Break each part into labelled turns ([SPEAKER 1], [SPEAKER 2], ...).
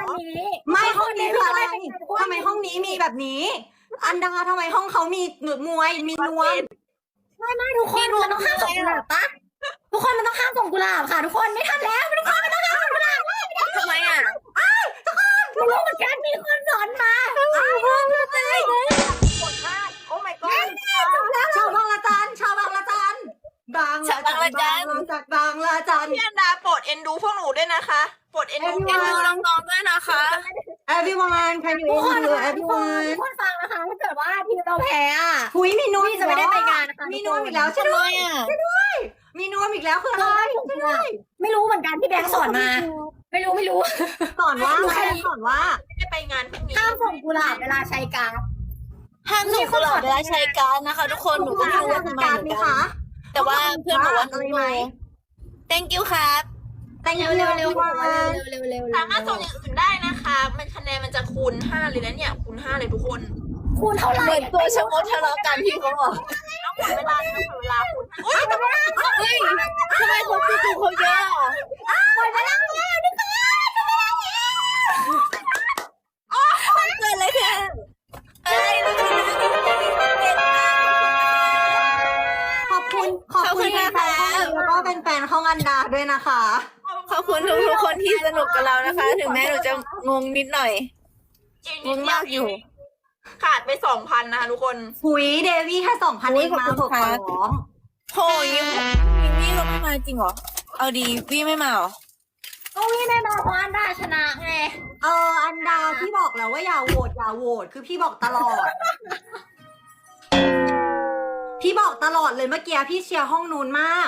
[SPEAKER 1] นี้
[SPEAKER 2] ไม่ห้องนี้คืออะไรทำไมห้องนี้มีแบบนี้ อันดาทำไมห้องเขามีหนวดมวยมีนวม
[SPEAKER 1] ไม่ทุกคนมันต้องห้ามส่งกุหลาบปะทุกคนมันต้องห้ามส่งกุหลาบค่ะ ทุกคนไม่ทันแล้วทุกคนมันต้องห้ามส่งกุหลาบ
[SPEAKER 3] ทำไมอ่ะ
[SPEAKER 1] ไม่รู้เหมือนกันมีคนสอนมา
[SPEAKER 3] กดพลาดโอ้ my god
[SPEAKER 2] ชาวบางละจันชาวบางละจันบางละจันจากบางละจัน
[SPEAKER 3] พี่อันดาโปรดเอ็นดูพวกหนูด้วยนะคะโปรดเอ็นดูน้องๆด้วยนะคะ
[SPEAKER 2] everyone can you
[SPEAKER 1] ทุกคน
[SPEAKER 2] do
[SPEAKER 1] ทุกคน
[SPEAKER 2] everyone
[SPEAKER 1] ทุกคนฟังนะคะถ้าเกิดว่าทีมเราแพ้อะ
[SPEAKER 2] หุยมีนวม
[SPEAKER 1] พี่จะไม่ได้ไปงานนะคะ
[SPEAKER 2] มีนวมอีกแล้วใช่ไหมมีนวมอีกแล้วคืออะไร
[SPEAKER 1] ไม่รู้เหมือนกันพี่แบงค์สอนมา ไม่รู้
[SPEAKER 2] สอนว่าสอนว่า
[SPEAKER 3] ไม่ได้ไปงานพรุ่งนี้
[SPEAKER 1] ห้ามส่งกุหลาบเวลาใช้การ์ด
[SPEAKER 3] ห้ามส่งกุหลาบเวลาใช้การ์ดนะคะทุกคนหนูก็ไม่รู้ว่าทำไม
[SPEAKER 2] การ
[SPEAKER 3] เหมื
[SPEAKER 2] ไหม
[SPEAKER 3] อนกั
[SPEAKER 2] คะ
[SPEAKER 3] นแต่ว่าเพื่อนบอกว่าหนู
[SPEAKER 2] อะไรไหม
[SPEAKER 3] thank you ครับ
[SPEAKER 2] แต่ง
[SPEAKER 1] เร็ว
[SPEAKER 2] เร็ว
[SPEAKER 1] เร็ว
[SPEAKER 2] เร็ว
[SPEAKER 1] เร็ว
[SPEAKER 3] สามารถส่งอย่างอื่นได้นะคะ มันคะแนนมันจะคูณ5เลยนะเนี่ยคูณ5เลยทุกคน
[SPEAKER 1] คูณเท่าไหร่
[SPEAKER 3] เหมือนตัวชะมดทะเลาะกันพี่เขาบอกต้องหมดเวลาต้องหมดเวลาคูณอุ้ยเฮ้ยทำไมคนที่ดูเขาเยอะอะ
[SPEAKER 1] หมดเวลาแล้วทุกคน
[SPEAKER 3] เกิดอะไรขึ้นเอ้ย
[SPEAKER 2] ขอบคุณแฟนแล้วก็เป็นแฟนห้องอันดาด้วยนะคะ
[SPEAKER 3] ขอบคุณทุกคนที่สนุกกับเรานะคะ ถึงแม้หนูจะงงนิดหน่อยงงมากอยู่ ขาดไป 2,000 นะคะทุกคน
[SPEAKER 2] หุยเดวี่แค่2,000เองมา
[SPEAKER 3] ขอบคุณ
[SPEAKER 2] ขอ
[SPEAKER 3] ค่ะ
[SPEAKER 2] ร้อง
[SPEAKER 3] โหยิ้มวี่เราไม่มาจริงเหรอ เอาดีวี่ไม่มาเหรอ
[SPEAKER 1] ก็วิ่งได้มาเพราะอันดาชนะไง
[SPEAKER 2] อันดาพี่บอกแล้วว่าอย่าโหวตคือพี่บอกตลอด พี่บอกตลอดเลยเมื่อกี้พี่เชียร์ห้องนู้นมาก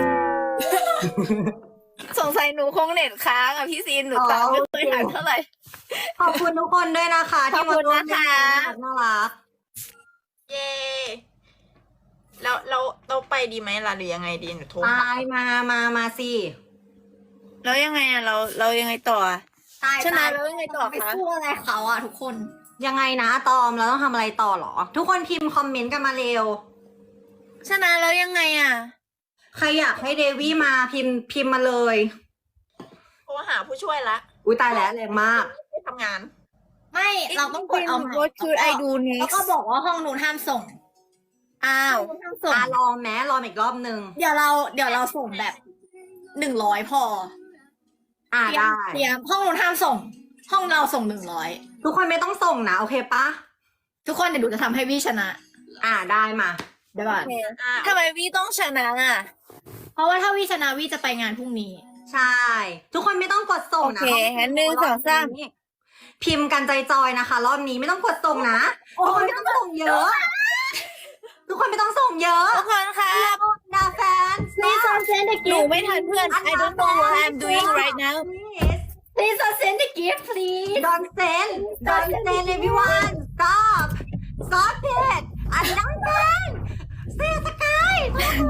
[SPEAKER 3] สงสัยหนูคงเน็ตค้างอ่ะพี่ซีนหนูตามไม่เคยทันเท่าไหร่
[SPEAKER 2] ขอบคุณทุกคนด้วยนะคะ ที่มาร่วมเล่น
[SPEAKER 3] ขอบคุณนะคะ
[SPEAKER 2] น่ารัก
[SPEAKER 3] เย้แล้วเราไปดีไหมล่ะหรือยังไงดีหนูโทร
[SPEAKER 2] ไป
[SPEAKER 3] หา
[SPEAKER 2] มาสิ
[SPEAKER 3] แล้วยังไงอ่ะเรายังไงต่ออะ
[SPEAKER 1] ตาย
[SPEAKER 3] ชนะแล้วยังไงต่อ
[SPEAKER 1] ไป
[SPEAKER 3] คะ
[SPEAKER 1] สู้อะไรเขาอ่ะทุกคน
[SPEAKER 2] ยังไงนะตอมเราต้องทำอะไรต่อเหรอ ทุกคนพิมพ์คอมเมนต์กันมาเร็ว
[SPEAKER 3] ชนะแล้วยังไงอ่ะ
[SPEAKER 2] ใครอยากให้เดวี่มาพิมพ์มาเลย
[SPEAKER 3] โทรหาผู้ช่วยละ
[SPEAKER 2] อุ้ยตายแล้วแรงมาก
[SPEAKER 3] ไปทำงาน
[SPEAKER 1] ไม่เราต้องกดเอาใหม่
[SPEAKER 3] What should I do
[SPEAKER 1] แล้วก็
[SPEAKER 3] next
[SPEAKER 1] บอกว่าห้องนู้นห้ามส่ง
[SPEAKER 3] อ้าว
[SPEAKER 1] ห้ามส่ง
[SPEAKER 2] ลองแม้ลองอีกรอบนึง
[SPEAKER 1] เดี๋ยวเราส่งแบบ100พอ
[SPEAKER 2] ได้
[SPEAKER 1] เตรียมห้องนู้นห้ามส่ง ห้องเราส่ง100
[SPEAKER 2] ทุกคนไม่ต้องส่งนะ โอเคปะ
[SPEAKER 1] ทุกคนเดี๋ยวดูจะทำให้วี่ชนะ
[SPEAKER 2] ได้มา
[SPEAKER 1] เดี๋ยวก่อน
[SPEAKER 3] ทำไมวี่ต้องชนะอ่ะ
[SPEAKER 1] เพราะว่าถ้าวี่ชนะวี่จะไปงานพรุ่งนี้
[SPEAKER 2] ใช่ ทุกคนไม่ต้องกดส่งนะ
[SPEAKER 3] โอเคงั้นหนึ่งสองสาม
[SPEAKER 2] พิมพ์กันใจจอยนะคะ รอบนี้ไม่ต้องกดส่งนะ
[SPEAKER 1] โอ้
[SPEAKER 2] ทุกคนไม่ต้องส่งเยอะ ทุกคนไม่ต้องส่งเยอะ
[SPEAKER 3] ทุกคนครับ
[SPEAKER 2] ดาแฟน
[SPEAKER 1] Please don't send the
[SPEAKER 3] หนู
[SPEAKER 1] gift
[SPEAKER 3] ไม่ทันเพื่อน I don't know what I'm doing right now
[SPEAKER 1] Please don't send the gift please
[SPEAKER 2] Don't send everyone stop it อันนั้นเป็นเสียสกาย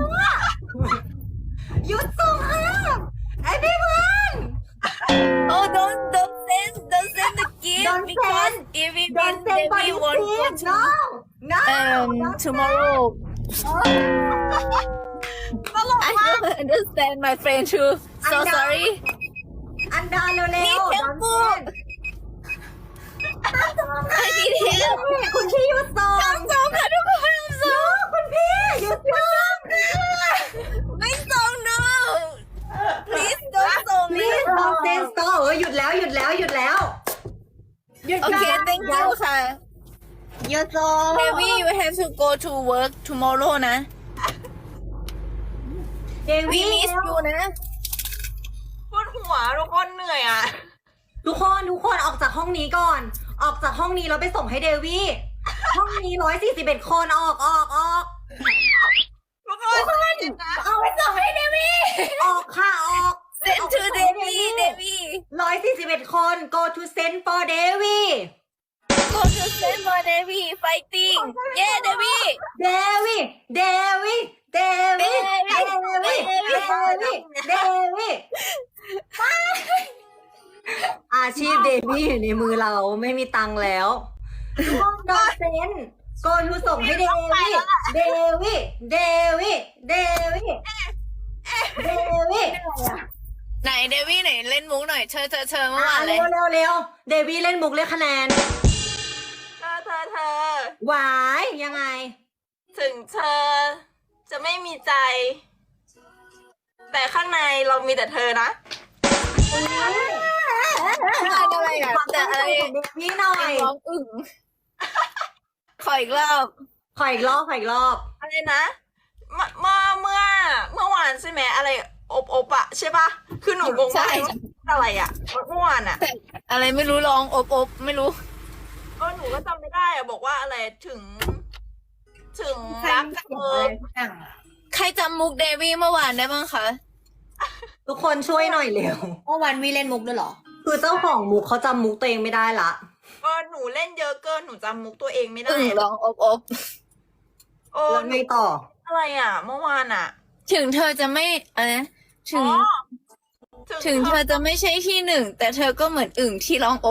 [SPEAKER 2] หยุดส่งห้าม everyone
[SPEAKER 3] Oh don't send the gift
[SPEAKER 2] Don't
[SPEAKER 3] because
[SPEAKER 2] send.
[SPEAKER 3] if it
[SPEAKER 2] Don't
[SPEAKER 3] means
[SPEAKER 2] send
[SPEAKER 3] that we won't go
[SPEAKER 2] body
[SPEAKER 3] to
[SPEAKER 2] no
[SPEAKER 3] tomorrow I don't understand my friend too so sorry
[SPEAKER 2] อันดาเร็ว
[SPEAKER 3] นี่
[SPEAKER 2] ๆ
[SPEAKER 3] เทม
[SPEAKER 2] Don't
[SPEAKER 3] ปู
[SPEAKER 2] send
[SPEAKER 3] I need help
[SPEAKER 2] คุณพี่หยุดส่ง
[SPEAKER 3] ส่งค่ะทุกคนส่ง
[SPEAKER 2] คุณพี่หยุดส่ง
[SPEAKER 3] ไม่ส่ง no please don't ส่ง
[SPEAKER 2] please don't send stop หยุดแล้ว
[SPEAKER 1] หยุด
[SPEAKER 3] Okay thank you ค่ะ
[SPEAKER 1] หยุดส่ง
[SPEAKER 3] Maybe you have to go to work tomorrow นะ
[SPEAKER 2] เด
[SPEAKER 3] We
[SPEAKER 2] วี่
[SPEAKER 3] miss you นะปวดหัวทุกคนเหนื่อยอ่ะ
[SPEAKER 2] ทุกคนออกจากห้องนี้ก่อน ออกจากห้องนี้แล้วไปส่งให้เดวี่ห้องนี้141คนออก
[SPEAKER 3] ทุกคน
[SPEAKER 1] เอาไปส่งให้เดวี่
[SPEAKER 2] ออกค่ะออก
[SPEAKER 3] send to Devi
[SPEAKER 2] 141คน go to send for Devi
[SPEAKER 3] go to send for Devi fighting yeah Devi
[SPEAKER 2] Devi Devi Devi Devi Devi อาชีพเดวี่อยู่ในมือเราไม่มีตังค์แล้วห้องดอเซนโกทูส่งให้เดวี่เดวี่เดวี่เดวี่เดวี่
[SPEAKER 3] ไหนเดวี่ไหนเล่นมุกหน่อยเธอเมื่อวานเล
[SPEAKER 2] เร็
[SPEAKER 3] ยว
[SPEAKER 2] เร็วเร็วเดวี่เล่นมุกเรียกคะแนน
[SPEAKER 3] เธอ
[SPEAKER 2] หวายยังไง
[SPEAKER 3] ถึงเธอ จะไม่มีใจ แต่ข้างในเรามีแต่เธอนะอะไรอ่ะ
[SPEAKER 2] ความ
[SPEAKER 3] แต่
[SPEAKER 2] ตั้ง
[SPEAKER 3] อะไร
[SPEAKER 2] ใจของเดวี่หน่อย
[SPEAKER 3] ร้องอึ่งขออีกรอบ
[SPEAKER 2] ขออีกรอบขออีกรอบ
[SPEAKER 3] อะไรนะเมื่อวานใช่ไหมอะไรอบอะใช่ปะคือหนูงงมากเลยว่าอะไรอะเมื่อวานอะอะไรไม่รู้ร้องอบไม่รู้หนูก็จำไม่ได้อะบอกว่าอะไรถึงรักเธอใครจำมุกเดวี่เมื่อวานได้บ้างคะ
[SPEAKER 2] ทุกคนช่วยหน่อยเร็ว
[SPEAKER 1] เมื่อวันวีเล่นมุกด้วยเหรอ
[SPEAKER 2] คือเจ้าของมุกเขาจำมุกตัวเองไม่ได้ละ
[SPEAKER 3] หนูเล่นเยอะเกินหนูจำมุกตัวเองไม่ได้
[SPEAKER 4] ร้องอบ
[SPEAKER 2] แล้วไงต่อ
[SPEAKER 3] อะไรอะเมื่อวานอะ
[SPEAKER 4] ถึงเธอจะไม่อะไรนะถึง
[SPEAKER 3] อ๋อ
[SPEAKER 4] ถึงเธอจะไม่ใช่ที่หนึ่งแต่เธอก็เหมือนอึ่งที่ร้องอบ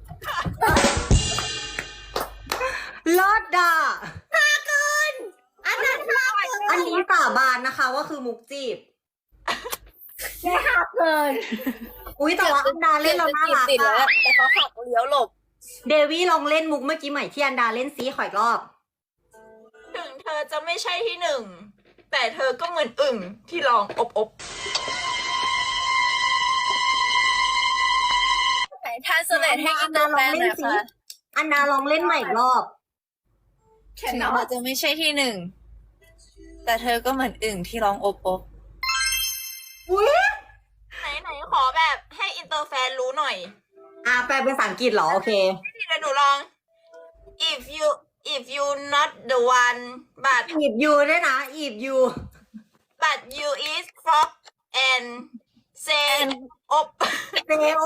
[SPEAKER 2] เลิศด่า
[SPEAKER 1] อันนั้นห้าเกิน
[SPEAKER 2] อันนี้สาบานนะคะว่าคือมุกจีบ
[SPEAKER 1] แค่ห้าเกิน
[SPEAKER 2] อุ้ยแต่ว่าอันดาเล่นเราน่ารัก
[SPEAKER 4] ติดแล้ว
[SPEAKER 2] อะ
[SPEAKER 4] แต่เขาหักเลี้ยวหลบ
[SPEAKER 2] เดวี่ลองเล่นมุกเมื่อกี้ใหม่ที่อันดาเล่นซีขออีกรอบ
[SPEAKER 3] ถึงเธอจะไม่ใช่ที่หนึ่งแต่เธอก็เหมือนอึ่งที่ร้องอบ
[SPEAKER 4] ไหนท่าสเลดให้อินเตอร์แฟนหน่อยค่ะ
[SPEAKER 2] อันดาลองเล่นใหม่อีกรอบ
[SPEAKER 4] ถึงเธอจะไม่ใช่ที่หนึ่งแต่เธอก็เหมือนอึ่งที่ร้องอบ
[SPEAKER 2] อุ้ย
[SPEAKER 3] ไหนขอแบบให้อินเตอร์แฟนรู้หน่อย
[SPEAKER 2] แปลเป็นภาษาอังกฤษเหรอ โอเค
[SPEAKER 3] เดี๋ยวหนูลอง if you not the one but
[SPEAKER 2] อีบยูด้วยนะ อีบยู
[SPEAKER 3] you is frog and say อบ
[SPEAKER 2] เซโอ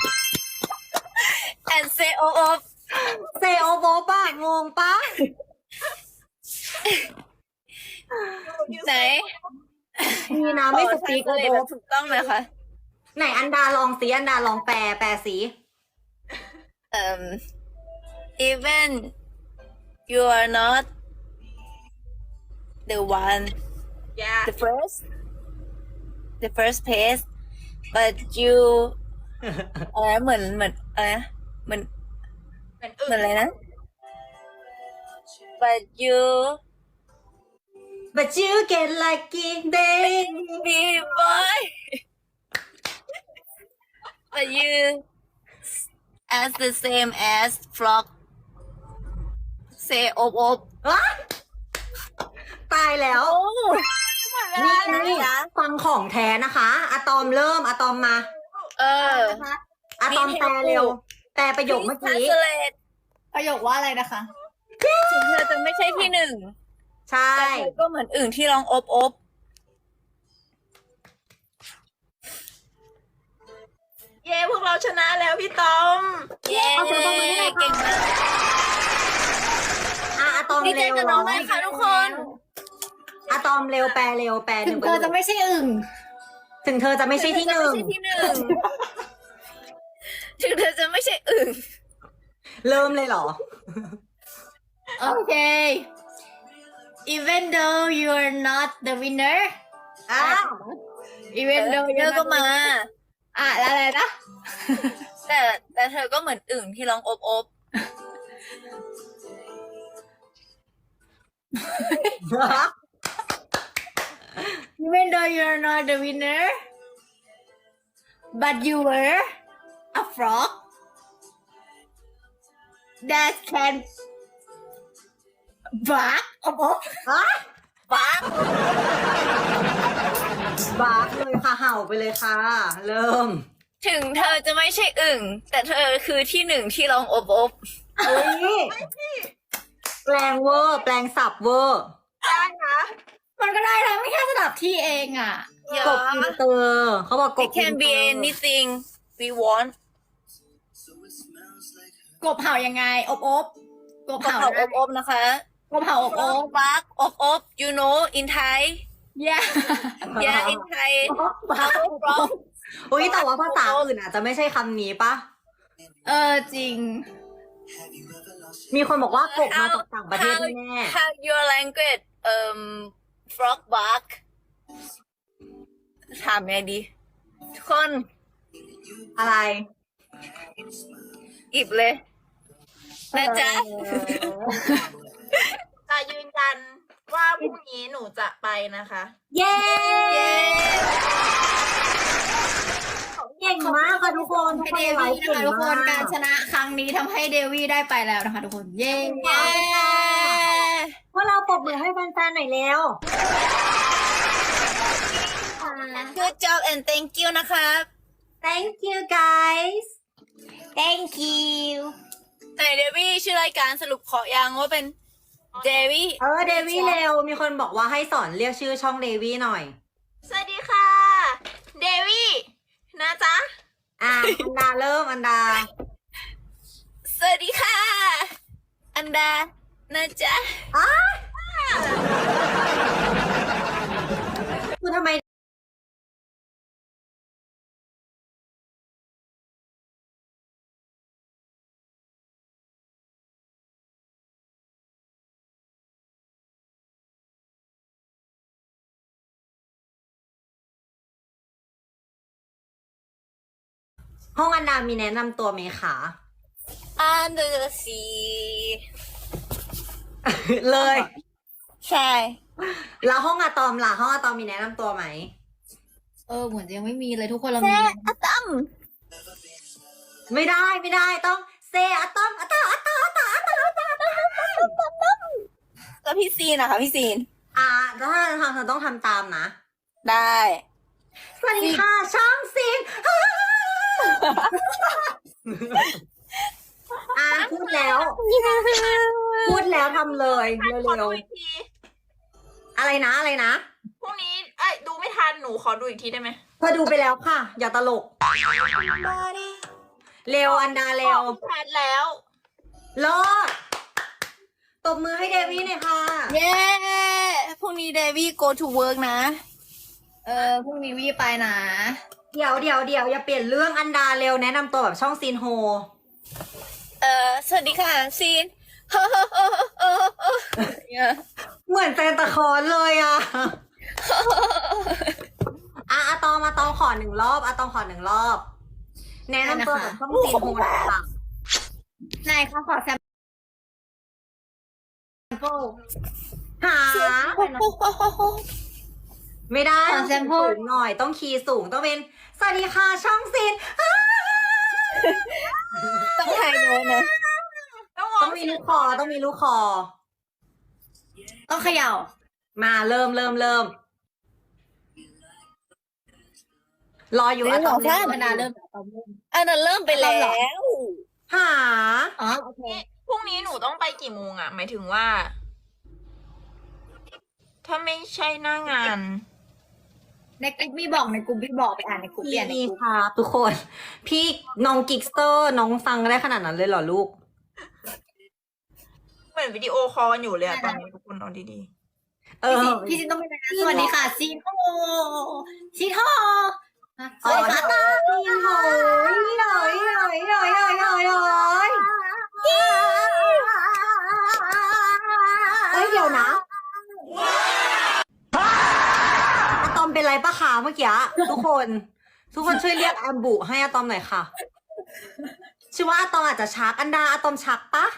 [SPEAKER 4] and say ob
[SPEAKER 2] เซโอโบป่ะ งงปะ
[SPEAKER 4] ไหน
[SPEAKER 2] มีนะไม่สปีก
[SPEAKER 4] ท่า
[SPEAKER 2] โอ
[SPEAKER 4] สเล
[SPEAKER 2] โบ
[SPEAKER 4] ดถูกต้องเลยค่ะ
[SPEAKER 2] ไหนอันดาลองสีอันดาลองแปลสี
[SPEAKER 4] even you are not the one
[SPEAKER 3] yeah
[SPEAKER 4] the first place but you อะไรนะเหมือนอะไรนะเหมือน
[SPEAKER 3] เหมือน
[SPEAKER 4] เหมือนอะไรนะ but you
[SPEAKER 2] but you get lucky baby
[SPEAKER 4] be boy but you as the same as frog say ob
[SPEAKER 2] อ๊ะตายแล้ว นี่ฟังของแท้นะคะอะตอมเริ่มอะตอมมา
[SPEAKER 4] เออ
[SPEAKER 2] อะตอมแปลเร็ว แปลประโยคเมื่อกี้
[SPEAKER 4] translate
[SPEAKER 1] ประโยคว่าอะไรนะคะ
[SPEAKER 4] ถึงเธอจะไม่ใช่ที่หนึ่ง
[SPEAKER 2] ใช่
[SPEAKER 4] แต่เธอก็เหมือนอื่นที่ร้องอบ
[SPEAKER 3] เย้พวกเราชนะแล้วพี่ตอม
[SPEAKER 4] เย้เก่งมาก
[SPEAKER 2] อะตอม
[SPEAKER 4] ดีใจ
[SPEAKER 2] เร็ว
[SPEAKER 4] กับน้องเลยค่ะทุกคน
[SPEAKER 2] อะตอมเร็วแปลเร็วแปลห
[SPEAKER 1] ถึ
[SPEAKER 2] นึ่
[SPEAKER 1] ง
[SPEAKER 2] งป
[SPEAKER 1] เธ
[SPEAKER 2] ระ
[SPEAKER 1] อ
[SPEAKER 2] โย
[SPEAKER 1] จะ
[SPEAKER 2] ค
[SPEAKER 1] ไม่ใช่อึ่ง
[SPEAKER 2] ถึงเธอจะไม่ใช่ที่หนึ่ง
[SPEAKER 4] ถึงเธอจะไม่ใช่อึ่ง
[SPEAKER 2] เริ่มเลยเหรอ
[SPEAKER 1] โอเค even though you are not the winner
[SPEAKER 2] อ้าว
[SPEAKER 1] even though
[SPEAKER 4] เธ
[SPEAKER 1] you're
[SPEAKER 4] อก็
[SPEAKER 1] not
[SPEAKER 4] มา
[SPEAKER 1] แล้วอะไรนะ
[SPEAKER 4] แต่เธอก็เหมือนอึ่งที่ร้องอบ
[SPEAKER 1] even though you're not the winner but you were a frog that can bark
[SPEAKER 2] ฮะ
[SPEAKER 4] บ้า
[SPEAKER 2] บาร์กเลยค่ะเห่าไปเลยค่ะ เริ่ม
[SPEAKER 4] ถึงเธอจะไม่ใช่อึ่งแต่เธอคือที่หนึ่งที่ร้องอบ
[SPEAKER 2] เฮ้ยแปลงเวอร์ แปลงสับเวอร์
[SPEAKER 3] ได้นะ
[SPEAKER 1] มันก็ได้นะไม่แค่สลับที่เองอ่ะ
[SPEAKER 4] อย่าก
[SPEAKER 2] บอินเตอร์เขาบอกก
[SPEAKER 4] It
[SPEAKER 2] บอิน
[SPEAKER 4] can
[SPEAKER 2] เต
[SPEAKER 4] be
[SPEAKER 2] อร์
[SPEAKER 4] anything we want
[SPEAKER 1] กบเห่ายังไง กบ
[SPEAKER 4] กบ
[SPEAKER 1] เห่า
[SPEAKER 4] เห่า
[SPEAKER 1] นะ
[SPEAKER 4] อบนะคะ
[SPEAKER 1] กบเห่าอบ
[SPEAKER 4] บักอบ you know in Thai
[SPEAKER 1] yeah
[SPEAKER 4] yeah in Thai
[SPEAKER 1] บัก
[SPEAKER 4] frog
[SPEAKER 2] อุ้ยแต่ว่าภาษาอื่นอาจจะไม่ใช่คำนี้ปะ
[SPEAKER 1] จริง
[SPEAKER 2] มีคนบอกว่ากบมาจากต่างประเทศแน่
[SPEAKER 4] how your language frog bark ถามไงดีทุกคน
[SPEAKER 2] อะไร
[SPEAKER 4] อิบเลยนะจ๊ะ
[SPEAKER 3] จะยืนยันว่าพรุ่งนี้หนูจะไปนะคะ
[SPEAKER 2] เย้
[SPEAKER 4] เย้
[SPEAKER 2] เก่งมากค่ะทุกคนทุก
[SPEAKER 1] ให้
[SPEAKER 2] คน
[SPEAKER 1] เดวี่นะคะทุกคนการชนะครั้งนี้ทำให้เดวี่ได้ไปแล้วนะคะทุกคนเย้
[SPEAKER 4] เย้
[SPEAKER 2] พวกเราปรบมือให้แฟนๆหน่อยแล้ว
[SPEAKER 4] Good job and thank you นะครับ
[SPEAKER 2] Thank you guys
[SPEAKER 1] thank you
[SPEAKER 4] ไหนเดวี่ชื่อรายการสรุปขอยังว่าเป็นเดวี่
[SPEAKER 2] เดวี่เร็ว มีคนบอกว่าให้สอนเรียกชื่อช่องเดวี่หน่อย
[SPEAKER 3] สวัสดีค่ะ เดวี่นะจ๊ะ
[SPEAKER 2] อันดาเริ่มอันดา
[SPEAKER 4] สวัสดีค่ะ อันดานะจ๊ะ
[SPEAKER 2] คือทำไมห้องอันดามีแนะนำตัวไหมคะ
[SPEAKER 4] Under the sea
[SPEAKER 2] เลย
[SPEAKER 4] ใช่
[SPEAKER 2] แล้วห้องอะตอมล่ะห้องอะตอมมีแนะนำตัวไหม
[SPEAKER 1] เหมือนจะยังไม่มีเลยทุกคนเรา
[SPEAKER 4] เซ
[SPEAKER 1] มี
[SPEAKER 4] อะตัม
[SPEAKER 2] ไม่ได้ต้องเซอะตอมอะตออะตออะตออะตออะตออะตอ
[SPEAKER 4] แล้วพี่ซีนนะคะพี่ซีน
[SPEAKER 2] ถ้าทำเธอต้องทำตามนะ
[SPEAKER 4] ได้
[SPEAKER 2] สวัสดีค่ะช่องซินพูดแล้วทำเลย
[SPEAKER 3] ขอ
[SPEAKER 2] เร็
[SPEAKER 3] ดู
[SPEAKER 2] ว
[SPEAKER 3] อีกที
[SPEAKER 2] ๆอะไรนะ
[SPEAKER 3] พรุ่งนี้ดูไม่ทันหนูขอดูอีกทีได้ไหม
[SPEAKER 2] เธอดูไปแล้วค่ะ อย่าตลก เร็วอันดาเร็ว
[SPEAKER 3] ทันแล้ว
[SPEAKER 2] รอดตบมือให้เดวี่หน่อยค่ะ
[SPEAKER 4] เย้พรุ่งนี้เดวี่ go to work นะ
[SPEAKER 1] พรุ่งนี้วี่ไปนะ
[SPEAKER 2] เดี๋ยวอย่าเปลี่ยนเรื่องอันดาเร็วแนะนำตัวแบบช่องซีนโฮ
[SPEAKER 4] สวัสดีค่ะซีน
[SPEAKER 2] เหมือนแซนตาคลอสเลยอะอะตอมขอหนึ่งรอบอะตอมขอหนึ่งรอบ แนะนำตัวแบบช่องซีนโฮหน่อยค่ะ
[SPEAKER 1] ไหนคะขอแซมเปิล
[SPEAKER 2] หาไม่ได้
[SPEAKER 1] ขอ
[SPEAKER 2] ต้อง
[SPEAKER 1] แซ
[SPEAKER 2] คี
[SPEAKER 1] ม
[SPEAKER 2] ย์
[SPEAKER 1] เปิล
[SPEAKER 2] สูงหน่อยต้องคีย์สูงต้องเป็นสวัสดีค่ะช่องซีน
[SPEAKER 4] ต้องไฮโน้ตนะ
[SPEAKER 2] ต้องมีลูกคอต้องมีลูกคอ
[SPEAKER 1] ต้องเขย่า
[SPEAKER 2] มาเริ่มรออยู่อะตอม
[SPEAKER 1] ธรรมดาเริ่ม
[SPEAKER 4] อันนั้นเริ่มไปแล้ว
[SPEAKER 2] หา
[SPEAKER 1] อ๋อโอเค
[SPEAKER 3] พรุ่งนี้หนูต้องไปกี่โมงอะหมายถึงว่า ถ้าไม่ใช่หน้างาน
[SPEAKER 1] ในกลุ่มพี่บอกในกลุ่มพี่บอกไปอ่านในกลุ่มเปลี่ยนใน
[SPEAKER 2] พี่
[SPEAKER 1] กลุ่ม
[SPEAKER 2] ครับทุกคน พี่น้องกิกสเตอร์น้องฟังได้ขนาดนั้นเลยเหรอลูก
[SPEAKER 3] เหมือนวิดีโอคอลกันอยู่เลยอะตอนนี้ทุกคนเอาดี
[SPEAKER 1] พี่ซินต้องเป็นนะสวัสดีค่ะซีนโฮซีนโฮส
[SPEAKER 2] อ๋อ
[SPEAKER 1] วัสดีค่ะ
[SPEAKER 2] ซีนโหยเฮ้ยเดี๋ยวนะอะตอมเป็นไรปะคะเมื่อกี้ทุกคนช่วยเรียกแอมบุให้อะตอมหน่อยค่ะชื่อว่าอะตอมอาจจะชักอันดาอะตอมชักปะ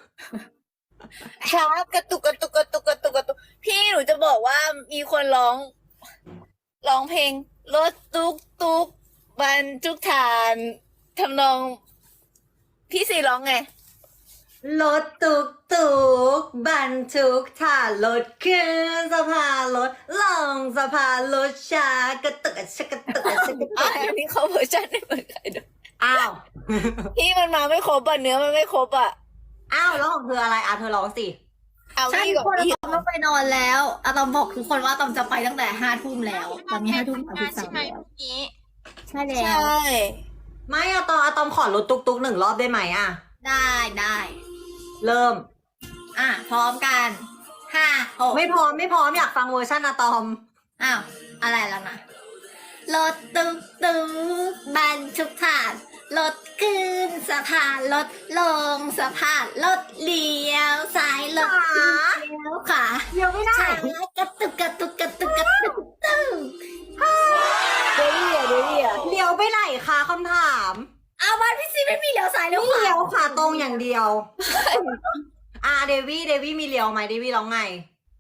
[SPEAKER 4] ช้ากระตุกพี่หนูจะบอกว่ามีคนร้องเพลงรถตุ๊กบรรทุกฐานทำนองพี่ซีร้องไง
[SPEAKER 2] รถตุกบรรทุกถ่านรถขึ้นสะพานรถลงสะพานรถช้ากระตุกชะกระตุกชะกระตุ
[SPEAKER 4] อันนี้เขาเวอร์ชันไม่เหมือนใครด้วย
[SPEAKER 2] อ้าว
[SPEAKER 4] พี่มันมาไม่ครบอ่ะเนื้อมันไม่ครบอ่ะ
[SPEAKER 2] อ้าวแล้วของเธออะไรเธอร้องสิ
[SPEAKER 4] เอา
[SPEAKER 1] ใช่
[SPEAKER 4] พี่
[SPEAKER 1] ทุก
[SPEAKER 4] ก่อ
[SPEAKER 1] คน น
[SPEAKER 4] พี่
[SPEAKER 1] อะตอมต้องไปนอนแล้วอะตอมบอกทุกคนว่าตอมจะไปตั้งแต่5 ทุ่มแล้ว
[SPEAKER 3] ๆ
[SPEAKER 1] ตอนนี้5 ทุ่ม
[SPEAKER 3] งานใช่
[SPEAKER 1] 33
[SPEAKER 3] ไหม
[SPEAKER 1] แล้ว
[SPEAKER 3] เมื่อกี้
[SPEAKER 1] ใช่แล้
[SPEAKER 4] ใช่
[SPEAKER 1] ว
[SPEAKER 2] ไม่อะตอมขอรถตุกหนึ่งรอบได้ไหมอะ
[SPEAKER 1] ได้
[SPEAKER 2] เริ่ม
[SPEAKER 1] พร้อมกัน5 6
[SPEAKER 2] ไม่พร้อมอยากฟังเวอร์ชันอะตอม
[SPEAKER 1] อ้าวอะไรแล้วนะรถตุ๊กบรรทุกถ่านรถขึ้นสะพานรถลงสะพานรถเลี้ยวซ้ายรถเลี้ยวขวา
[SPEAKER 2] เดี๋ยวไม่ได้
[SPEAKER 1] ช้ากระตุก
[SPEAKER 4] เดวี่อ่ะ
[SPEAKER 2] ม
[SPEAKER 1] เอาบ้านพี่ซีไม่มีเลี้ยวซ้ายเลี้ยวข
[SPEAKER 2] เลี้ยว
[SPEAKER 1] วา
[SPEAKER 2] ขาตรงอย่างเดียว เดวี่มีเลี้ยวไหมเดวี่ร้องไง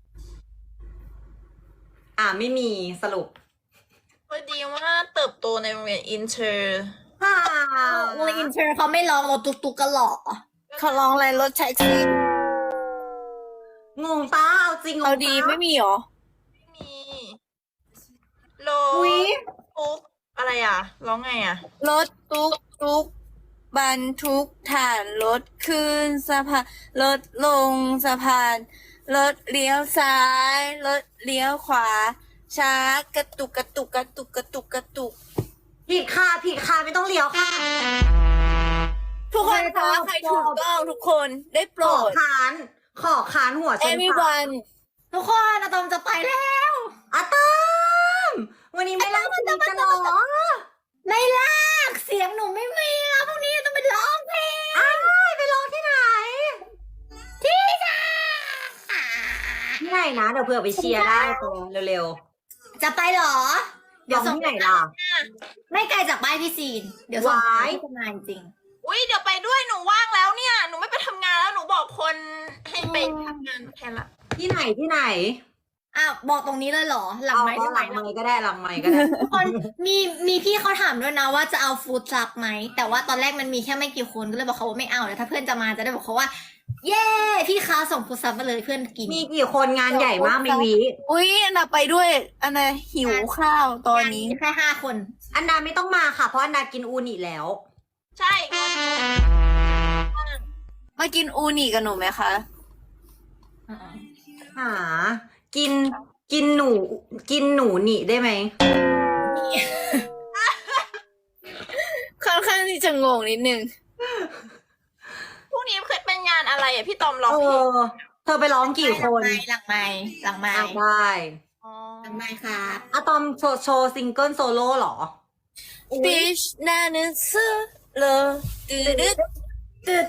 [SPEAKER 2] ไม่มีสรุป
[SPEAKER 3] พอดีว่าเติบโตในโรงเรียนอินเตอร์
[SPEAKER 1] โรงเรียนอินเตอร์เขาไม่ร้องรถตุกๆกันหรอ
[SPEAKER 4] เขาร้องอะไรรถแท็กซี่
[SPEAKER 2] งงป้าเอาจริงงง
[SPEAKER 4] เอา
[SPEAKER 2] ป้า
[SPEAKER 4] ดีไม่มีหรอ
[SPEAKER 3] ไม่มีโล
[SPEAKER 2] อุ๊ย
[SPEAKER 3] ปุ๊กอะไรอ่ะ ร้องไงอ่ะ
[SPEAKER 4] รถตุ๊กตุ๊กบรรทุกถ่านรถขึ้นสะพานรถลงสะพานรถเลี้ยวซ้ายรถเลี้ยวขวา ช้ากระตุกกระตุกกระตุกกระตุกกระตุก
[SPEAKER 2] ผิดค่ะไม่ต้องเลี้ยวค่ะ
[SPEAKER 4] ทุกคนคะใครถูกต้องทุกคนได้โปร
[SPEAKER 2] ขอ
[SPEAKER 4] ด
[SPEAKER 2] ค้านหัวชนฝา
[SPEAKER 4] everyone
[SPEAKER 1] ทุกคนอะตอมจะไปแล้ว
[SPEAKER 2] อะตอมวันนี้ไม่เล่าคุยกันหรอ
[SPEAKER 1] ไม่ลากเสียงหนูไม่มีแล้วพรุ่งนี้ต้องไปร้องเพลง
[SPEAKER 2] ไปร้องที่ไหน
[SPEAKER 1] ที่ค่ะ
[SPEAKER 2] ที่ไหนนะเดี๋ยวเผื่อไปเชียร์ได้ตัวเร็ว
[SPEAKER 1] จะไปเหรอ
[SPEAKER 2] ๆร้องที่ไหนล่ะ
[SPEAKER 1] ไม่ไกลจากบ้านพี่ซีน เดี๋ยวส่ง
[SPEAKER 2] ว้าย
[SPEAKER 1] ที่ทำงานจริง
[SPEAKER 3] อุ้ยเดี๋ยวไปด้วยหนูว่างแล้วเนี่ย หนูไม่ไปทำงานแล้วหนูบอกคนให้ไปทำงานแทนละ
[SPEAKER 2] ที่ไหน
[SPEAKER 1] อ้าวบอกตรงนี้เลยเหรอ หลัง
[SPEAKER 2] เอา
[SPEAKER 1] ไม้
[SPEAKER 2] ก็
[SPEAKER 1] ได้
[SPEAKER 2] ห
[SPEAKER 1] ไหม
[SPEAKER 2] ลังไมค์ก็ได้หลังไมค์ก็ได้
[SPEAKER 1] ทุกคนมีพี่เขาถามด้วยนะว่าจะเอาฟู้ดทรัคไหม แต่ว่าตอนแรกมันมีแค่ไม่กี่คนก็เลยบอกเขาว่าไม่เอาแล้วถ้าเพื่อนจะมาจะได้บอกเขาว่า เย้พี่คะส่งฟู้ดทรัคมาเลยเพื่อนกิน
[SPEAKER 2] มีกี่คนงานใหญ่มากมีวี
[SPEAKER 4] อุ้ยอันน่ะไปด้วยอันน่ะหิวข้าวตอนนี้
[SPEAKER 1] แค่5 คน
[SPEAKER 2] อันดาไม่ต้องมาค่ะ เพราะอันดากินอูนิแล้ว
[SPEAKER 3] ใช่
[SPEAKER 4] มากินอูนิกับหนูไหมคะ
[SPEAKER 2] หา กินหนูหนีได้ไหม
[SPEAKER 4] ค่อนข้างที่จะงงนิดนึง
[SPEAKER 3] พรุ่งนี้เคยเป็นงานอะไรอ่ะพี่ตอมร้องเพลง
[SPEAKER 2] เธอไปร้องกี่คน
[SPEAKER 1] หลังไม้
[SPEAKER 2] ได้
[SPEAKER 1] หลังไม้ครับ
[SPEAKER 2] อะตอมโชว์ซิงเกิลโซโล่เหรอ
[SPEAKER 4] Bitch นานึซื้อเลยตืดด
[SPEAKER 1] ตื่น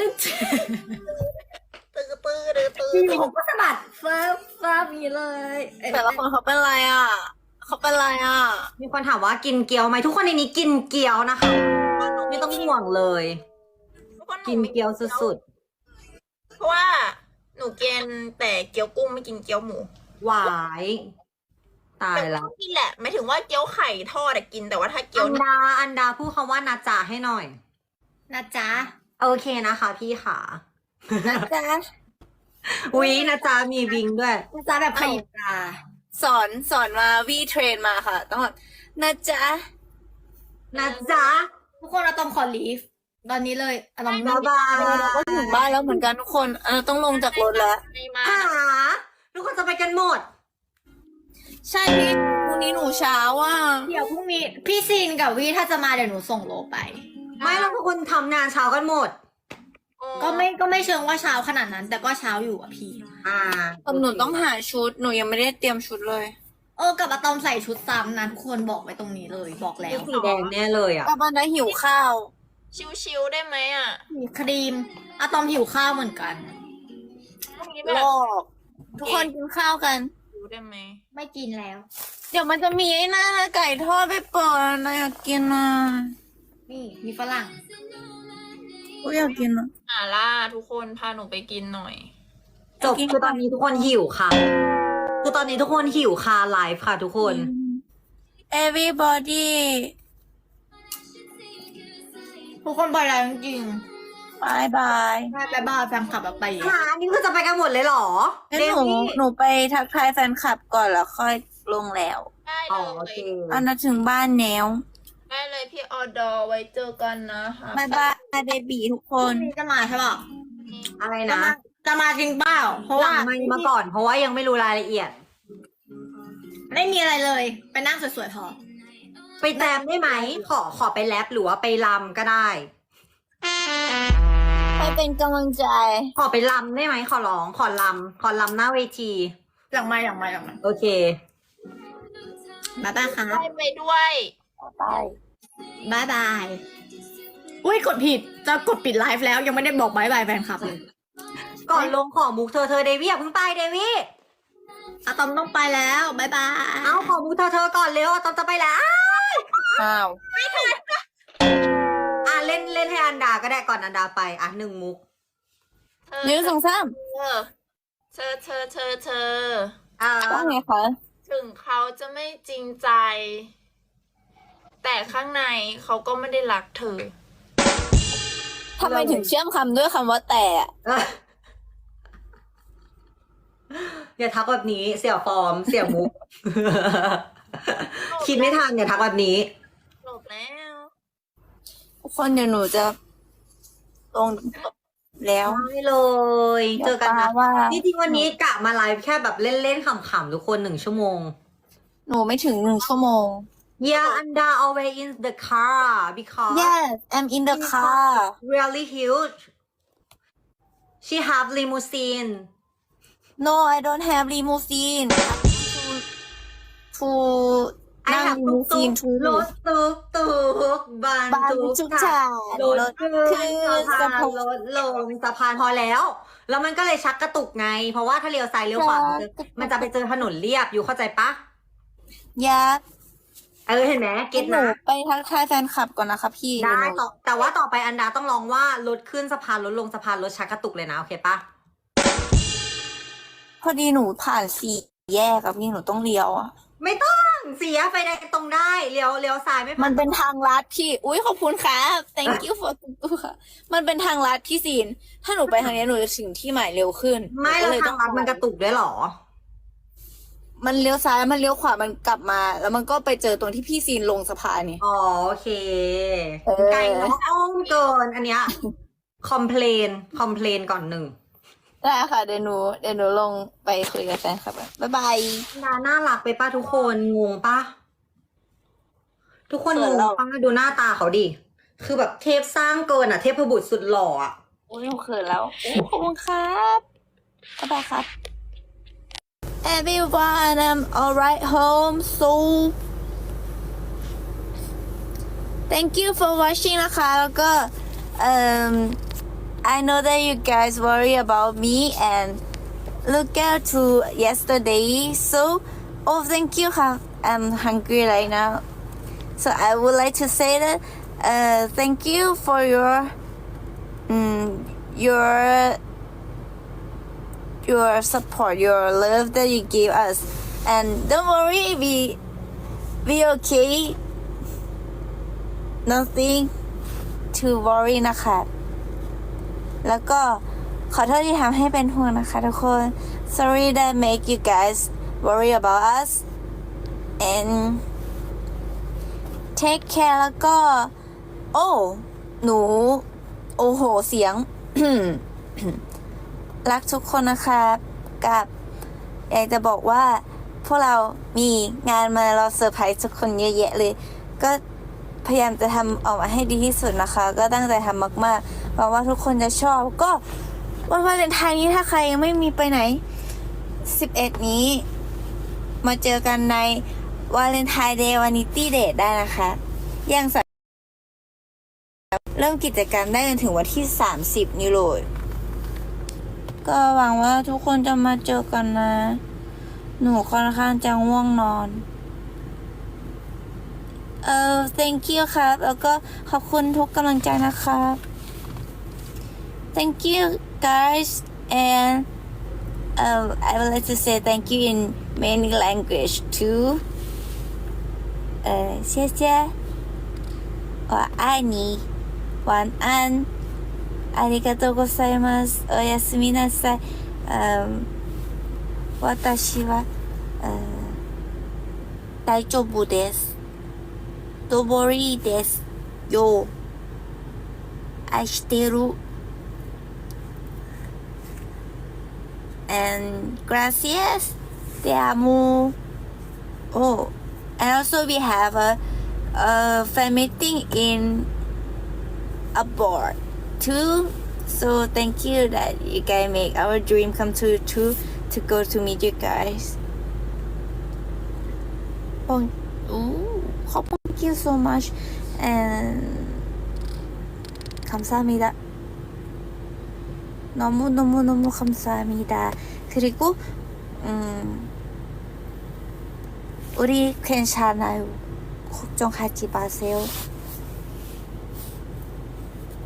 [SPEAKER 1] พี่ผมก็สะบัดเฟิร์มอย่างนี้เลย
[SPEAKER 4] แต่ละคนเขาเป็นไรอ่ะ เขาเป็นไรอ่ะ
[SPEAKER 2] มีคนถามว่ากินเกี๊ยวไหมทุกคนในนี้กินเกี๊ยวนะคะ ไม่ต้องห่วงเลย กินเกี๊ยวสุด
[SPEAKER 3] เพราะว่าหนูกินแต่เกี๊ยวกุ้งไม่กินเกี๊ยวหมู
[SPEAKER 2] ๆหวายตายแล้ว
[SPEAKER 3] กินแหละไม่ถึงว่าเกี๊ยวไข่ทอดอะกินแต่ว่าถ้าเกี๊ยว
[SPEAKER 2] อันดาพูดคำว่านาจาให้หน่อย
[SPEAKER 1] นะจ๊ะ
[SPEAKER 2] โอเคนะคะพี่ขา
[SPEAKER 4] นะจ๊ะ
[SPEAKER 2] วินาจามีวิงด้วย
[SPEAKER 1] นะจ๊ะแบบขยิบตา
[SPEAKER 4] สอนมาวีเทรนมาค่ะ ต้องแบบนะจ๊ะ
[SPEAKER 2] นะจ๊ะ
[SPEAKER 1] ทุกคนเราต้องขอลีฟตอนนี้เลยอะตอม
[SPEAKER 2] บ๊ายบาย
[SPEAKER 4] เราก็ถึงบ้านแล้วเหมือนกันทุกคนต้องลงจากรถแล้ว
[SPEAKER 3] ไม่มา
[SPEAKER 2] หาทุกคนจะไปกันหมด
[SPEAKER 4] ใช่พี่พรุ่งนี้หนูเช้าอ่ะ
[SPEAKER 1] เดี๋ยวพรุ่งนี้พี่ซีนกับวีถ้าจะมาเดี๋ยวหนูส่งโลไป
[SPEAKER 2] ไม่เราทุกคนทำงานเช้ากันหมด
[SPEAKER 1] ก็ไม่เชิงว่าเช้าขนาดนั้น แต่ก็เช้าอยู่อะพี่
[SPEAKER 4] แต่หนูต้องหาชุด หนูยังไม่ได้เตรียมชุดเลย
[SPEAKER 1] กับอะตอมใส่ชุดซ้ำนะทุกคนบอกไว้ตรงนี้เลยบอกแล้ว
[SPEAKER 2] สีแดงแน่เลยอ่ะ
[SPEAKER 4] กลับบ้านได้หิวข้าว
[SPEAKER 3] ชิวๆได้ไหมอ่ะ
[SPEAKER 1] มีครีมอะตอมหิวข้าวเหมือนกัน
[SPEAKER 3] พรุ่งนี้
[SPEAKER 4] ห
[SPEAKER 3] แบ
[SPEAKER 4] ล
[SPEAKER 3] บ
[SPEAKER 4] อกทุกคนกินข้าวกัน
[SPEAKER 3] ชิวได้ไหม
[SPEAKER 1] ไม่กินแล้ว
[SPEAKER 4] เดี๋ยวมันจะมีไอ้หน้าไก่ทอดไปเปิดนะอยากกินอ่ะ
[SPEAKER 1] นี่มีฝรั่ง
[SPEAKER 4] กูอยากกินอ่ะ
[SPEAKER 3] ล่าทุกคนพาหนูไปกินหน่อย
[SPEAKER 2] จบคือตอนนี้ทุกคนหิวค่ะ คือตอนนี้ทุกคนหิวค่ะไลฟ์ค่ะทุกคน
[SPEAKER 4] everybody
[SPEAKER 1] ทุกคนไปแล้วจริง
[SPEAKER 4] บายบาย
[SPEAKER 1] ๆไปบ้ายแฟนคลับแบบไป
[SPEAKER 2] หานี่คือจะไปกันหมดเลยเหรอ
[SPEAKER 4] งั้น
[SPEAKER 2] เด
[SPEAKER 4] หนู
[SPEAKER 2] วี่
[SPEAKER 4] หนูไปทักทายแฟนคลับก่อนแล้วค่อยลงแล้ว
[SPEAKER 3] ได้
[SPEAKER 2] อ๋
[SPEAKER 3] เล
[SPEAKER 2] อโอเค
[SPEAKER 3] ย
[SPEAKER 4] อันนั้นถึงบ้านแล้ว
[SPEAKER 3] ได้เลยพี่ออดอไว้เจอกันนะคะ
[SPEAKER 4] บายบายเบบีทุกค
[SPEAKER 1] พรุ่
[SPEAKER 4] น
[SPEAKER 1] งนี้จะมาใช่ป่ะ
[SPEAKER 2] อะไร
[SPEAKER 1] จะ
[SPEAKER 2] นะ
[SPEAKER 1] มาจะมาจริงเปล่าเพราะ
[SPEAKER 2] ห
[SPEAKER 1] ว่า
[SPEAKER 2] ลังไมค์มาก่อนเพราะว่ายังไม่รู้รายละเอียด
[SPEAKER 1] ไม่มีอะไรเลย ไปนั่งสวยๆพอ
[SPEAKER 2] ไปแจมได้ไหม ขอไปแรปหรือว่าไปรำก็ได้
[SPEAKER 4] ไปเป็นกำลังใจ
[SPEAKER 2] ขอไปรำได้ไหมขอร้องขอรำหน้าเวที
[SPEAKER 1] หลังไม้
[SPEAKER 2] โอเค
[SPEAKER 1] บ๊ายบายครับ
[SPEAKER 3] ได้ไปด้วย
[SPEAKER 4] ไป
[SPEAKER 1] บ๊ายบายอุ้ยกดผิดจะกดปิดไลฟ์แล้วยังไม่ได้บอกบ๊ายบายแฟนคลับเลย
[SPEAKER 2] ก่อนลงขอมุกเธอเดวี่อย่าเพิ่งไปเดวี่
[SPEAKER 1] อะตอมต้องไปแล้วบ๊ายบาย
[SPEAKER 2] เอาขอมุกเธอก่อนเร็วอะตอมจะไปแล้ว
[SPEAKER 4] อ้าว
[SPEAKER 2] ล่นให้อันดาก็ได้ก่อนอันดาไปอ่ะหนึ่งมุก
[SPEAKER 4] หนึ่งสองสาม
[SPEAKER 3] เธอ
[SPEAKER 2] อ่า
[SPEAKER 4] ว่าไงคะ
[SPEAKER 3] ถึงเขาจะไม่จริงใจ แต่ข้างในเขาก็ไม่ได้รักเธอ
[SPEAKER 4] ทำไมถึงเชื่อมคำด้วยคำว่าแต่อะ
[SPEAKER 2] อย่าทักแบบนี้เสี่ยฟอร์มเสี่ยมุก คิดไม่ทันอย่าทักแบบนี้
[SPEAKER 3] จบแล้ว
[SPEAKER 4] ทุกคนเดี๋ยวหนูจะลงแล้ว
[SPEAKER 2] ได้เลย เจอกันนะ
[SPEAKER 4] ว่า
[SPEAKER 2] จริงๆวันนี้กะมาไลฟ์แค่แบบเล่นๆขำๆทุกคน1 ชั่วโมง
[SPEAKER 4] หนูไม่ถึง1 ชั่วโมง
[SPEAKER 2] Yeah, Anda always in the car because
[SPEAKER 4] Yes I'm in the car
[SPEAKER 2] really huge. She have limousine.
[SPEAKER 4] No I don't have limousine to
[SPEAKER 2] I
[SPEAKER 4] นั่ง
[SPEAKER 2] have
[SPEAKER 4] ลิมูซีน
[SPEAKER 2] รถตุกบัน
[SPEAKER 4] บ้าน
[SPEAKER 2] ทุ
[SPEAKER 4] ทุ
[SPEAKER 2] ก
[SPEAKER 4] ก
[SPEAKER 2] ทา
[SPEAKER 4] ทาง ง
[SPEAKER 2] รถขึ้น
[SPEAKER 4] ขึ้น
[SPEAKER 2] สะ
[SPEAKER 4] สะ
[SPEAKER 2] พา
[SPEAKER 4] พาน น
[SPEAKER 2] รถลงสะพานพอแล้ว แล้วมันก็เลยชักกระตุกไง เพราะว่าถ้าเลี้ยวซ้ายเลี้ยวขวามันจะไปเจอถนนเรียบอยู่เข้าใจปะ
[SPEAKER 4] ยักษ์
[SPEAKER 2] เห็นไหมเก็ต
[SPEAKER 4] หนู
[SPEAKER 2] นะ
[SPEAKER 4] ไปทักทายแฟนคลับก่อนนะคะพี่
[SPEAKER 2] ได้
[SPEAKER 4] เยวหนู
[SPEAKER 2] แต่ว่าต่อไปอันดาต้องลองว่ารถขึ้นสะพานรถลงสะพานรถชักกระตุกเลยนะโอเคปะ
[SPEAKER 4] พอดีหนูผ่านสี่แยกกับพี่หนูต้องเลี้ยวอะ
[SPEAKER 2] ไม่ต้องเสียไฟแดงตรงได้เลี้ยวซ้ายไม่
[SPEAKER 4] มันเป็นทางลัดพี่ อุ้ยขอบคุณครับ thank you for ตัวมันเป็นทางลัดพี่ซีน ถ้าหนูไปทางนี้หนูจะถึงที่หมายเร็วขึ้น
[SPEAKER 2] ไม่
[SPEAKER 4] หนู
[SPEAKER 2] แล้ว
[SPEAKER 4] ก็
[SPEAKER 2] ทางลัดมันกระตุกด้วยเหรอ
[SPEAKER 4] มันเลี้ยวซ้ายมันเลี้ยวขวามันกลับมา แล้วมันก็ไปเจอตรงที่พี่ซีนลงสะพานนี่
[SPEAKER 2] อ๋อโอเค
[SPEAKER 4] เออ
[SPEAKER 2] ไกลเนาะอ้อมเกินอันเนี้ยคอมเพลนก่อนหนึ่ง
[SPEAKER 4] ได้ค่ะเดี๋ยวหนูลงไปคุยกับแฟนคลับก่อนบ๊ายบาย
[SPEAKER 2] น่ารักไปป้าทุกคนงงปะทุกคนงงป้าดูหน้าตาเขาดิคือแบบเทพสร้างเกินอ่ะเทพบุตรสุดหล่ออ่ะ
[SPEAKER 4] โอ้ยหนูเขินแล้วโอ้ขอบคุณครับบ๊ายบายครับ Everyone I'm alright home so thank you for watching นะคะแล้วก็I know that you guys worry about me and look out to yesterday so oh thank you I'm hungry right now so I would like to say that thank you for your support your love that you give us and don't worry we okay nothing to worry นะคะแล้วก็ขอโทษที่ทำให้เป็นห่วงนะคะทุกคน sorry that make you guys worry about us and take care แล้วก็ โอ้หนูโอ้โหเสียง รักทุกคนนะคะกับอยากจะบอกว่าพวกเรามีงานมาเราเซอร์ไพรส์ทุกคนเยอะแยะเลยก็พยายามจะทำออกมาให้ดีที่สุดนะคะก็ตั้งใจทำมากๆหวังว่าทุกคนจะชอบก็วันวาเลนไทน์นี้ถ้าใครยังไม่มีไปไหน11นี้มาเจอกันในวาเลนไทน์เดย์วานิตี้เดทได้นะคะยังสามารถเริ่มกิจกรรมได้จนถึงวันที่30นี้เลยก็หวังว่าทุกคนจะมาเจอกันนะหนูค่อนข้างจะง่วงนอนthank you ครับแล้วก็ขอบคุณทุกกำลังใจนะครับ thank you guys and I would like to say thank you in many language too 谢谢我爱你晚安ありがとうございますおやすみなさい私は大丈夫ですDon't worry ですよ愛してる and gracias te amo oh and also we have a fan meeting in abroad too so thank you that you guys make our dream come true too to go to meet you guys Thank you so much and 감사합니다. 너무너무너무 감사합니다. 그리고 우리 괜찮아요. 걱정하지 마세요.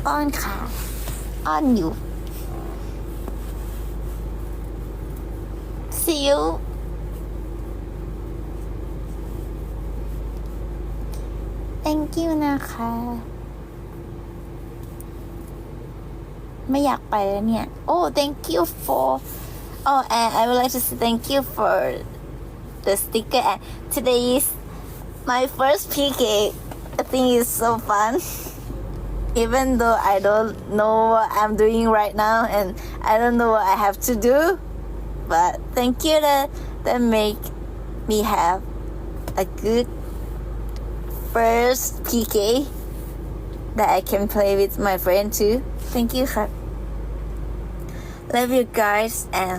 [SPEAKER 4] อ้อนค่ะ อ้อนอยู่ see you thank you นะคะ ไม่อยากไปแล้วเนี่ย oh thank you for oh and I would like to say thank you for the sticker and today is my first PK I think it's so fun even though I don't know what I'm doing right now and I don't know what I have to do but thank you that make me have a good first PK that I can play with my friend too. Thank you, ครับ Love you guys and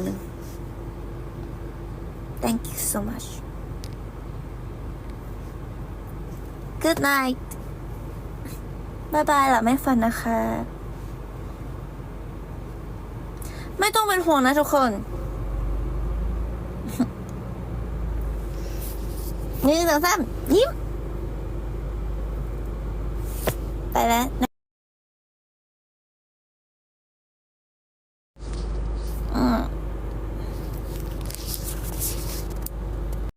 [SPEAKER 4] thank you so much. Good night. Bye bye หลับไม่ฝันนะคะ ไม่ต้องเป็นห่วงนะทุกคน 1 2 3 ยิ้ม ไปแล้ว